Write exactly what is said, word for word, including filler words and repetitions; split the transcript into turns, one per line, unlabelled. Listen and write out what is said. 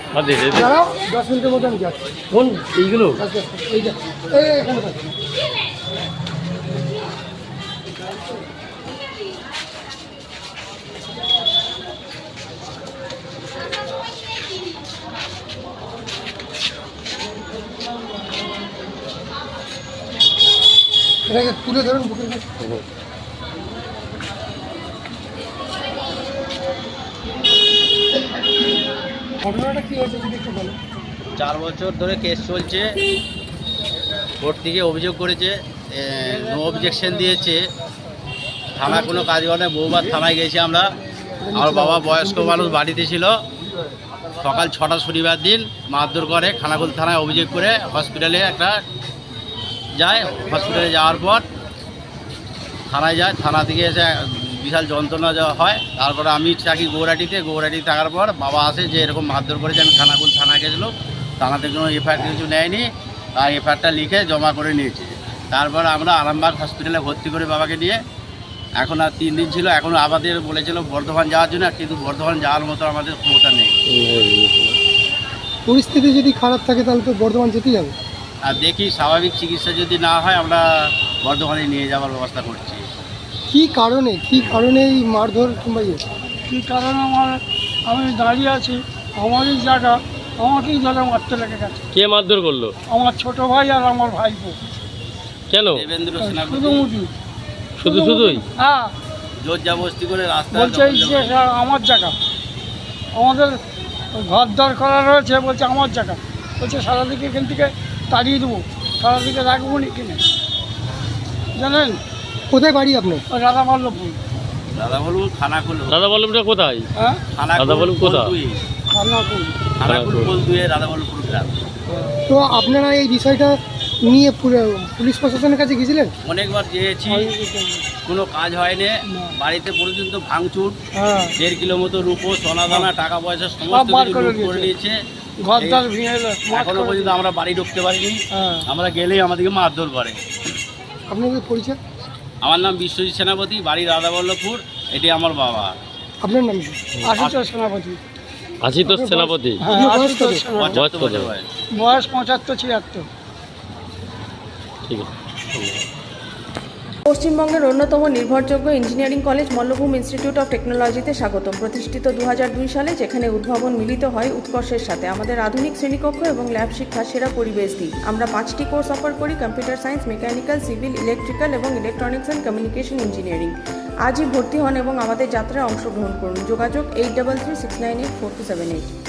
দাঁড়াও, দশ মিনিটের মধ্যে আমি যাচ্ছি।
কোন এইগুলো?
আচ্ছা, এইটা এই এখানে থাকবে। এটাকে তুলে ধরুন বুকের কাছে। ঘটনাটা কি হয়েছে যদি একটু বলো।
চার বছর ধরে কেস চলছে, কোর্ট থেকে অভিযোগ করেছে, নো অবজেকশন দিয়েছে, থানা কোনো কাজ করে না। বহুবার থানায় গেছি আমরা। আমার বাবা বয়স্ক মানুষ বাড়িতে ছিল, সকাল ছটা শনিবার দিন মারধর করে, খানাকুল থানায় অভিযোগ করে হসপিটালে একটা যায়। হসপিটালে যাওয়ার পর থানায় যায়, থানা থেকে এসে বিশাল যন্ত্রণা যাওয়া হয়। তারপরে আমি থাকি গৌরাটিতে, গৌরাটি থাকার পর বাবা আসে যে এরকম মারধর করেছে। আমি খানাকুল থানায় গেছিলো, থানাতে কোনো এফআইআর কিছু নেয়নি, আর এফআইআরটা লিখে জমা করে নিয়েছে। তারপর আমরা আরামবাগ হসপিটালে ভর্তি করে বাবাকে নিয়ে, এখন আর তিন দিন ছিল, এখন আমাদের বলেছিল বর্ধমান যাওয়ার জন্য, কিন্তু বর্ধমান যাওয়ার মতো আমাদের ক্ষমতা নেই।
পরিস্থিতি যদি খারাপ থাকে তাহলে তো বর্ধমান যেতেই হবে।
আর দেখি স্বাভাবিক চিকিৎসা যদি না হয় আমরা বর্ধমানে নিয়ে যাওয়ার ব্যবস্থা করছি।
কি কারণে কি কারণে এই মারধর কিংবা ইয়ে?
কী কারণে আমার আমি দাঁড়িয়ে আছি, আমারই জায়গা, আমাকেই ধরে মারতে লেগে গেছে।
কে মারধর করলো?
আমার ছোট ভাই আর আমার ভাইপো।
কেন?
দেবেন্দ্র সেনাপতি
শুধু মুটি
শুধু শুধুই?
হ্যাঁ,
জোর জবরদস্তি করে রাস্তা
বলছে এই যে আমার জায়গা, আমাদের ঘর দর করা রয়েছে, বলছে আমার জায়গা, বলছে সারাদিকে এখান থেকে তাড়িয়ে দেবো, সারাদিকে রাখবো নি কিনে। জানেন
কোথায় বাড়ি আপনার?
ওই রাধা বল্লভপুর।
দাদা বলবো খানাকুল,
দাদা বল্লভটা কোথায়?
হ্যাঁ,
দাদা বলুন কোথায়?
খানাকুল।
খানাকুল কোলদুয়ে রাধা বল্লভপুর গ্রাম।
তো আপনারা এই বিষয়টা নিয়ে পুরো- পুলিশ প্রশাসনের কাছে গিয়েছিলেন?
অনেকবার যেয়েছি, কোনো কাজ হয়নি। বাড়িতে পর্যন্ত ভাঙচুর,
হ্যাঁ,
দেড় কিলো মতো রূপো, সোনা দানা, টাকা পয়সা
সব
সমস্ত
বার
কিছু
করে
লুট করে নিয়েছে।
ঘর দর ভেঙে এলো, মাঠ
এখনো
করে
পর্যন্ত আমরা বাড়ি ঢুকতে পারিনি।
হ্যাঁ।
আমরা গেলেই আমাদেরকে মারধর করে।
আপনাদের পরিচয়?
আমার নাম বিশ্বজিৎ সেনাপতি, বাড়ি রাধা বল্লভপুর, এটি আমার বাবা।
আপনার নাম কি?
আশুতোষ সেনাপতি।
আশিতোষ সেনাপতি।
হ্যাঁ,
আপনার বয়স
আশুতোষ
কত?
সেনাপতি।
পঁচাত্তর
কত?
বছর বয়স।
বয়স পঁচাত্তর ছিয়াত্তর।
ঠিক আছে।
পশ্চিমবঙ্গের অন্যতম নির্ভরযোগ্য engineering college Mallabhum institute of টেকনোলজিতে স্বাগতম। প্রতিষ্ঠিত দু হাজার দুই সালে, যেখানে উদ্ভাবন মিলিত হয় উৎকর্ষের সাথে। আমাদের আধুনিক শ্রেণীকক্ষ এবং ল্যাব শিক্ষা সেরা পরিবেশ দিই। আমরা পাঁচটি কোর্স অফার করি: computer science, mechanical, civil, electrical এবং ইলেকট্রনিক্স অ্যান্ড কমিউনিকেশন ইঞ্জিনিয়ারিং। আজই ভর্তি হন এবং আমাদের যাত্রায় অংশগ্রহণ করুন। যোগাযোগ eight double three six nine eight four two seven eight.